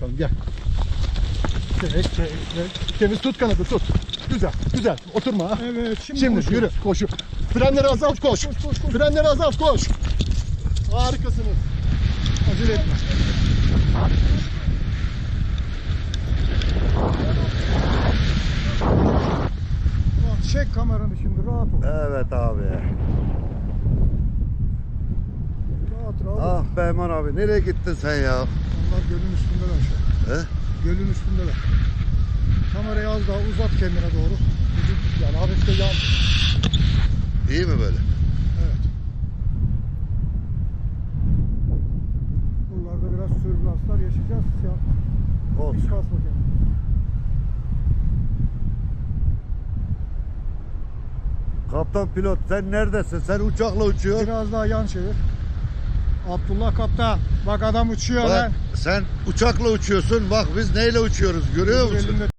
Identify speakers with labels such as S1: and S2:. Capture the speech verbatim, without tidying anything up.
S1: bakalım, gel. Çek, çek, çek. Temiz tut kanadı, tut. Güzel, güzel. Oturma ha.
S2: Evet, şimdi,
S1: Şimdi
S2: koşuyor.
S1: yürü, koşu. Frenleri azalt, koş.
S2: Koş, koş, koş.
S1: Frenleri azalt, koş. Harikasınız. Acele etme.
S2: Bak, çek kameranı şimdi, rahat ol.
S3: Evet abi.
S2: Rahat rahat.
S3: Ah be Eman abi, nereye gittin sen ya?
S2: Onlar gölün üstündeler şu an.
S3: He?
S2: Gölün üstündeler. Kamerayı az daha uzat kendine doğru.
S1: Yani hafif de yan.
S3: İyi mi böyle?
S2: Evet. Buralarda biraz türbülanslar yaşayacağız. Ya,
S3: Olsun.
S2: hiç kasma kendini.
S3: Kaptan pilot, sen neredesin? Sen uçakla uçuyorsun.
S2: Biraz daha yan çevir. Abdullah kaptan. Bak adam uçuyor
S3: Bak,
S2: lan.
S3: sen uçakla uçuyorsun. Bak biz neyle uçuyoruz, görüyor musun?
S2: Elinde